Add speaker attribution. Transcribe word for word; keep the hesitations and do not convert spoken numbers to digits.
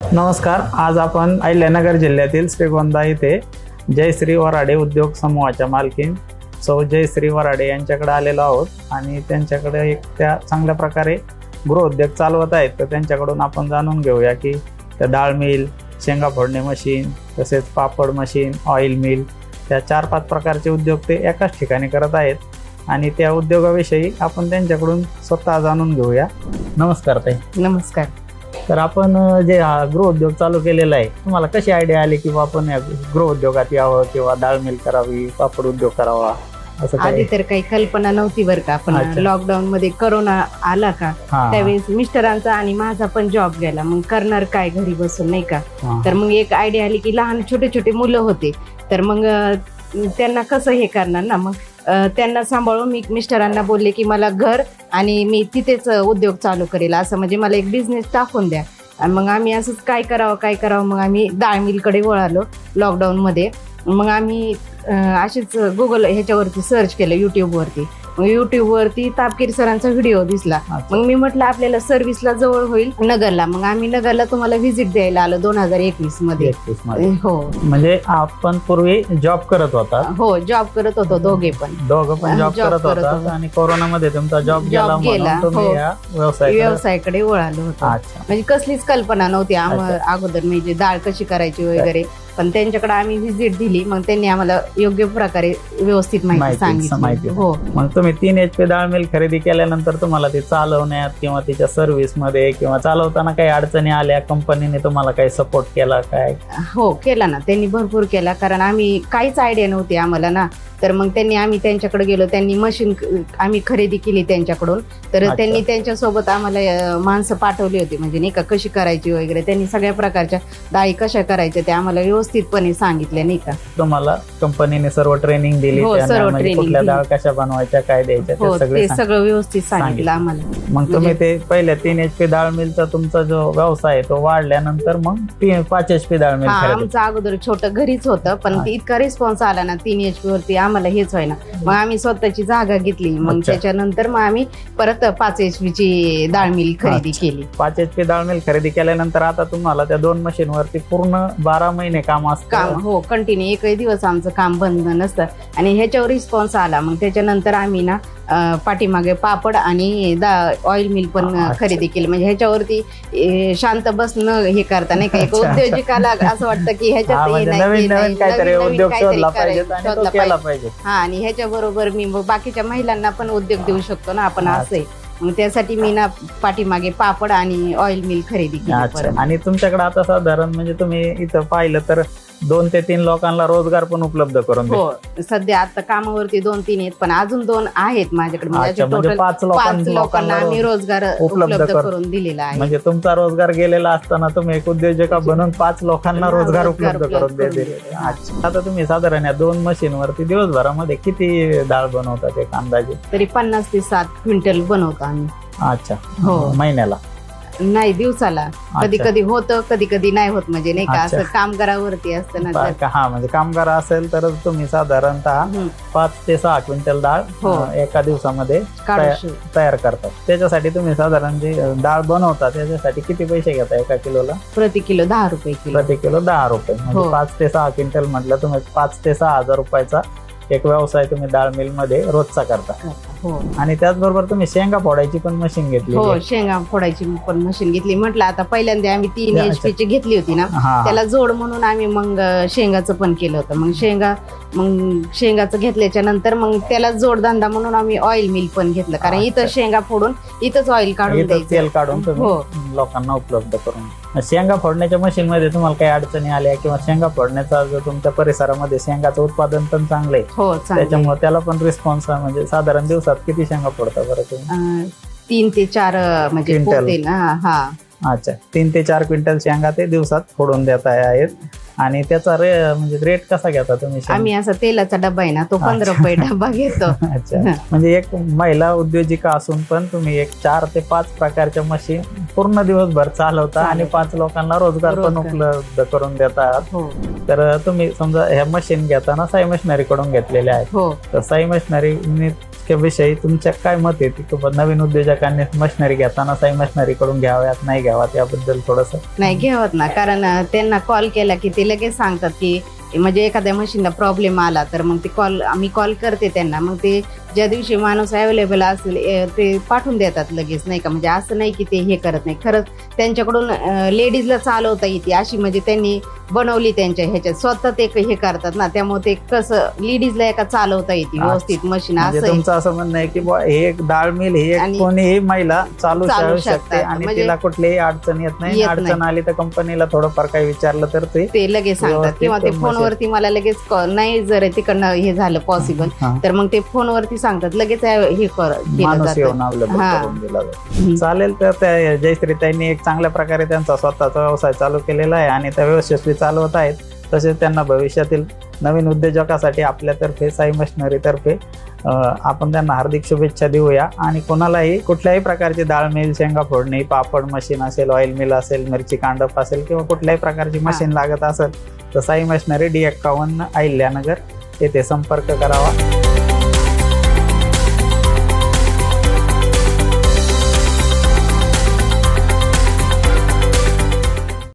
Speaker 1: नमस्कार. आज आपण अहिल्यानगर जिल्ह्यातील श्रीगोंदा येथे जयश्री वराडे उद्योग समूहाच्या मालकीन सौ जयश्री वराडे यांच्याकडे आलेलो आहोत आणि त्यांच्याकडे एक त्या चांगल्या प्रकारे गृहउद्योग चालवत आहेत. तर त्यांच्याकडून आपण जाणून घेऊया की त्या डाळ मिल, शेंगा फोडणे मशीन, तसेच पापड मशीन, ऑइल मिल, त्या चार पाच प्रकारचे उद्योग ते एकाच ठिकाणी करत आहेत आणि त्या उद्योगाविषयी आपण त्यांच्याकडून स्वतः जाणून घेऊया. नमस्कार ताई.
Speaker 2: नमस्कार.
Speaker 1: तर आपण जे हा गृहउद्योग चालू केलेला आहे, तुम्हाला कशी आयडिया आली की आपण या गृहउद्योगात यावं किंवा डाळ मिल करावी, पापड उद्योग करावा? असं
Speaker 2: आधी तर काही कल्पना नव्हती बरं का. पण
Speaker 1: अच्छा.
Speaker 2: लॉकडाऊन मध्ये करोना आला का,
Speaker 1: हा.
Speaker 2: त्यावेळेस मिस्टरांचा आणि माझा पण जॉब गेला. मग करणार काय घरी बसून, नाही का.
Speaker 1: हा.
Speaker 2: तर मग एक आयडिया आली की लहान छोटे छोटे मुलं होते, तर मग अं, त्यांना कसं हे करणार ना. मग अं, त्यांना सांभाळून मी मिस्टरांना बोलले की मला घर आणि मी तिथेच उद्योग चालू करेल, असं म्हणजे मला एक बिझनेस टाकून द्या. आणि मग आम्ही असंच काय करावं काय करावं मग आम्ही डाळ मिलकडे वळालो लॉकडाऊनमध्ये. मग आम्ही असेच गुगल ह्याच्यावरती सर्च केलं, यूट्यूबवरती. मग यूट्यूबवरती तापकीर सरांचा व्हिडिओ दिसला.
Speaker 1: अच्छा.
Speaker 2: मग मी म्हटलं आपल्याला सर्व्हिसला जवळ होईल नगरला. मग आम्ही नगरला तुम्हाला व्हिजिट द्यायला आलो दोन हजार एकवीस मध्ये.
Speaker 1: एकवीस मध्ये.
Speaker 2: हो
Speaker 1: म्हणजे आपण पूर्वी जॉब करत होता?
Speaker 2: हो, जॉब करत होतो दोघे पण.
Speaker 1: दोघं पण जॉब
Speaker 2: Job
Speaker 1: करत
Speaker 2: करत
Speaker 1: होता
Speaker 2: होतो.
Speaker 1: आणि कोरोना मध्ये तुमचा जॉब
Speaker 2: Job
Speaker 1: गेला
Speaker 2: गेला,
Speaker 1: म्हणून तुम्ही
Speaker 2: हो.
Speaker 1: या व्यवसाय
Speaker 2: व्यवसायाकडे वळालो होतो.
Speaker 1: अच्छा.
Speaker 2: म्हणजे कसलीच कल्पना नव्हती आम्हाला
Speaker 1: अच्छा.
Speaker 2: अगोदर, म्हणजे डाळ कशी करायची वगैरे. पण त्यांच्याकडे आम्ही व्हिजिट दिली. मग त्यांनी आम्हाला योग्य प्रकारे व्यवस्थित माहिती
Speaker 1: माहिती
Speaker 2: सांगितली.
Speaker 1: माहिती
Speaker 2: हो
Speaker 1: मग तुम्ही तीन एच पी डाळ मिल खरेदी केल्यानंतर तुम्हाला ती चालवण्यात किंवा तिच्या सर्व्हिस मध्ये किंवा चालवताना काही अडचणी आल्या, कंपनीने तुम्हाला काही सपोर्ट केला काय?
Speaker 2: हो केला ना, त्यांनी भरपूर केला. कारण आम्ही काहीच आयडिया नव्हती आम्हाला ना. तर मग त्यांनी आम्ही त्यांच्याकडे गेलो, त्यांनी मशीन आम्ही खरेदी केली त्यांच्याकडून. तर
Speaker 1: अच्छा.
Speaker 2: त्यांनी त्यांच्यासोबत आम्हाला अं, माणसं पाठवली होती, म्हणजे नाही का कशी करायची वगैरे. त्यांनी सगळ्या प्रकारच्या डाळी कशा करायच्या ते आम्हाला व्यवस्थितपणे सांगितले, नाही का.
Speaker 1: तुम्हाला कंपनीने सर्व ट्रेनिंग दिली?
Speaker 2: हो,
Speaker 1: त्यांना
Speaker 2: सर्व
Speaker 1: म्हणजे
Speaker 2: training
Speaker 1: कुठल्या
Speaker 2: दिली.
Speaker 1: डाळ कशा बनवायच्या, काय द्यायच्या,
Speaker 2: हो,
Speaker 1: ते सगळे
Speaker 2: ते
Speaker 1: सांग-
Speaker 2: सगळं व्यवस्थित सांगितलं
Speaker 1: सांगितलं.
Speaker 2: आम्हाला.
Speaker 1: मग तुम्ही ते पहिल्या तीन एच पी डाळ मिलचा तुमचा जो व्यवसाय आहे तो वाढल्यानंतर मग तीन पाच एच पी डाळ मिल
Speaker 2: हा,
Speaker 1: खरेदी.
Speaker 2: आमचं अगोदर छोटं घरीच होतं, पण
Speaker 1: हा.
Speaker 2: इतका रिस्पॉन्स आला ना तीन एच पी वरती आम्हाला हेच व्हायना. मग आम्ही स्वतःची जागा घेतली. मग
Speaker 1: अच्छा.
Speaker 2: त्याच्यानंतर मग आम्ही परत पाच एच पी ची डाळ मिल खरेदी
Speaker 1: अच्छा.
Speaker 2: केली.
Speaker 1: पाच एच पी डाळ मिल खरेदी केल्यानंतर आता तुम्हाला त्या दोन मशीन वरती पूर्ण बारा महिने काम असतं?
Speaker 2: काम हो कंटिन्यू, एकही दिवस आमचं काम बंद नसतं. आणि ह्याच्यावर रिस्पॉन्स आला. मग त्याच्यानंतर आम्ही ना अं, पाठीमागे पापड आणि ऑइल मिल पण
Speaker 1: अच्छा.
Speaker 2: खरेदी केली. म्हणजे ह्याच्यावरती ए, शांत बसणं हे करता नाही का. एक
Speaker 1: अच्छा.
Speaker 2: उद्योजकाला असं वाटतं की
Speaker 1: हा,
Speaker 2: ह्याच्यात हे
Speaker 1: म्हणजे
Speaker 2: नाही,
Speaker 1: नवीन
Speaker 2: ते नाही,
Speaker 1: नवीन काहीतरी
Speaker 2: नवीन- नवीन
Speaker 1: उद्योग
Speaker 2: काहीतरी
Speaker 1: शोधला
Speaker 2: करायचं,
Speaker 1: पाहिजे आणि तो
Speaker 2: शोधला
Speaker 1: केला
Speaker 2: पाहिजे.
Speaker 1: पाहिजे.
Speaker 2: हा, आणि ह्याच्या बरोबर मी मग बाकीच्या महिलांना पण उद्योग देऊ शकतो ना आपण, असं आहे. मग त्यासाठी मी ना पाठीमागे पापड आणि ऑइल मिल खरेदी केली
Speaker 1: अच्छा.
Speaker 2: परत.
Speaker 1: आणि तुमच्याकडे आता साधारण म्हणजे तुम्ही इथं पाहिलं तर दोन ते तीन लोकांना रोजगार पण उपलब्ध करून देतो.
Speaker 2: हो, सध्या आता कामावरती दोन तीन आहेत, पण अजून दोन आहेत माझ्याकडे. म्हणजे
Speaker 1: अच्छा, म्हणजे
Speaker 2: टोटल
Speaker 1: पाच लोकां-
Speaker 2: पाच लोकांना आम्ही रोजगार
Speaker 1: उपलब्ध
Speaker 2: उपलब्ध
Speaker 1: कर-
Speaker 2: करून दिलेला आहे.
Speaker 1: म्हणजे तुमचा रोजगार गेलेला असताना तुम्ही एक उद्योजका बनून पाच लोकांना
Speaker 2: हा,
Speaker 1: रोजगार
Speaker 2: रोजगार
Speaker 1: उपलब्ध
Speaker 2: उपलब्ध
Speaker 1: करून
Speaker 2: करून
Speaker 1: देते.
Speaker 2: दिले.
Speaker 1: अच्छा. आता तुम्ही साधारण या दोन मशीन वरती दिवसभरामध्ये किती डाळ बनवतात एक अंदाजे?
Speaker 2: तरी पन्नास ते सात क्विंटल बनवतो आम्ही.
Speaker 1: अच्छा.
Speaker 2: हो.
Speaker 1: महिन्याला?
Speaker 2: नाही, दिवसाला. कधी कधी होतं, कधी कधी नाही होत, म्हणजे नाही का.
Speaker 1: अच्छा.
Speaker 2: असं कामगारावरती असतं ना. तर
Speaker 1: का- हा, म्हणजे कामगार असेल तर तुम्ही साधारणतः
Speaker 2: हम्म,
Speaker 1: पाच ते सहा क्विंटल डाळ
Speaker 2: हो.
Speaker 1: अं, एका दिवसामध्ये
Speaker 2: काढू
Speaker 1: तया-
Speaker 2: शकतो.
Speaker 1: तयार करतात. त्याच्यासाठी तुम्ही साधारण जे डाळ बनवता त्याच्यासाठी किती पैसे घेता एका किलोला?
Speaker 2: प्रति किलो दहा रुपये किलो.
Speaker 1: प्रति किलो दहा रुपये. म्हणजे
Speaker 2: हो.
Speaker 1: पाच ते सहा क्विंटल म्हटलं तुम्ही पाच ते सहा हजार रुपयाचा एक व्यवसाय तुम्ही डाळ मिल मध्ये रोजचा करता.
Speaker 2: हो
Speaker 1: आणि त्याचबरोबर तुम्ही शेंगा फोडायची पण मशीन घेतली?
Speaker 2: हो, शेंगा फोडायची पण मशीन घेतली. म्हटलं आता पहिल्यांदा आम्ही तीन
Speaker 1: अच्छा.
Speaker 2: एच पी ची घेतली होती ना,
Speaker 1: हा.
Speaker 2: त्याला जोड म्हणून आम्ही मग अं, शेंगाचं पण केलं होतं. मग शेंगा मग शेंगाचं घेतल्याच्या नंतर मग त्याला जोडधंदा म्हणून आम्ही ऑइल मिल पण घेतलं. कारण
Speaker 1: अच्छा.
Speaker 2: इथं शेंगा फोडून इथंच ऑइल काढून
Speaker 1: इथं
Speaker 2: द्यायचं.
Speaker 1: तेल काढून
Speaker 2: हो.
Speaker 1: तुम्ही लोकांना उपलब्ध करून. शेंगा फोडण्याच्या मशीन मध्ये तुम्हाला काही अडचणी आल्या किंवा शेंगा फोडण्याचा जो तुमच्या परिसरामध्ये शेंगाचं उत्पादन पण चांगलं आहे
Speaker 2: हो, चांगलं.
Speaker 1: त्याच्यामुळे त्याला पण रिस्पॉन्स म्हणजे साधारण दिवसात किती शेंगा फोडता बरं तुम्ही?
Speaker 2: अं, तीन ते चार अं, म्हणजे
Speaker 1: क्विंटल.
Speaker 2: पोते ना. हा,
Speaker 1: अच्छा. तीन ते चार क्विंटल शेंगा ते दिवसात फोडून देत आहेत. आणि त्याचा रे म्हणजे रेट कसा घेता तुम्ही शेंगा?
Speaker 2: आम्ही असा तेलाचा डबा आहे ना, तो पंधरा रुपये डबा घेतो.
Speaker 1: अच्छा. म्हणजे एक महिला उद्योजिका असून पण तुम्ही एक चार ते पाच प्रकारच्या मशीन पूर्ण दिवसभर चालवता आणि
Speaker 2: चालवता.
Speaker 1: पाच लोकांना रोजगार पण
Speaker 2: रोजगार.
Speaker 1: उपलब्ध करून देता.
Speaker 2: हो
Speaker 1: तर तुम्ही समजा ह्या मशीन घेताना साई मशिनरी कडून घेतलेल्या आहेत.
Speaker 2: हो
Speaker 1: तर साई मशिनरी विषयी तुमच्या काय मत आहे की बाबा नवीन उद्योजकांनी मशिनरी घेताना साई मशिनरी कडून घ्याव्यात नाही घ्याव्यात याबद्दल थोडंसं?
Speaker 2: नाही घेवत ना, कारण अं, त्यांना कॉल केला की ते लगेच सांगतात की म्हणजे एखाद्या मशीनला प्रॉब्लेम आला तर मग ते कॉल आम्ही कॉल करते त्यांना, मग ते ज्या दिवशी माणूस अवेलेबल असेल ए, ते पाठवून देतात लगेच, नाही का. म्हणजे असं नाही की ते हे करत नाही, खरंच त्यांच्याकडून लेडीजला चालवता येते अशी म्हणजे त्यांनी बनवली त्यांच्या ह्याच्यात, स्वतः ते हे करतात ना, त्यामुळे ते कसं लेडीजला एका चालवता येते व्यवस्थित मशीन.
Speaker 1: म्हणजे
Speaker 2: असं आहे.
Speaker 1: तुमचं असं म्हणणं आहे की बुवा हे एक डाळ मिल ही एक
Speaker 2: आणि
Speaker 1: कोणीही महिला चालू
Speaker 2: चालू
Speaker 1: शकते
Speaker 2: शकतात.
Speaker 1: आणि
Speaker 2: म्हणजे
Speaker 1: तिला कुठलीही अडचण येत नाही.
Speaker 2: येत
Speaker 1: अडचण
Speaker 2: नाही.
Speaker 1: आली तर कंपनीला थोडंफार काही विचारलं तर ते
Speaker 2: ते लगेच सांगतात,
Speaker 1: व्यवस्थित
Speaker 2: किंवा ते
Speaker 1: मशीन-
Speaker 2: फोनवरती मला लगेच call- नाही जर तिकडनं हे झालं पॉसिबल
Speaker 1: हा.
Speaker 2: तर मग ते फोनवरती सांगतात, लगेच हे कर केलं
Speaker 1: माणूस
Speaker 2: जातं.
Speaker 1: येऊन अवेलेबल
Speaker 2: हा.
Speaker 1: करून दिला जातो.
Speaker 2: हम्म.
Speaker 1: चालेल. तर त्या जयश्रीताईंनी एक चांगल्या प्रकारे त्यांचा स्वतःचा व्यवसाय चालू केलेला आहे आणि त्या यशस्वी चालवत आहेत. तसेच त्यांना भविष्यातील नवीन उद्योजकासाठी आपल्यातर्फे साई मशिनरीतर्फे अं, आपण त्यांना हार्दिक शुभेच्छा देऊया. आणि कोणालाही कुठल्याही प्रकारची डाळ मिल, शेंगा फोडणी, पापड मशीन असेल, ऑइल मिल असेल, मिरची कांडप असेल किंवा कुठल्याही प्रकारची मशीन लागत असेल तर साई मशिनरी डी एक्कावन्न अहिल्यानगर येथे संपर्क करावा.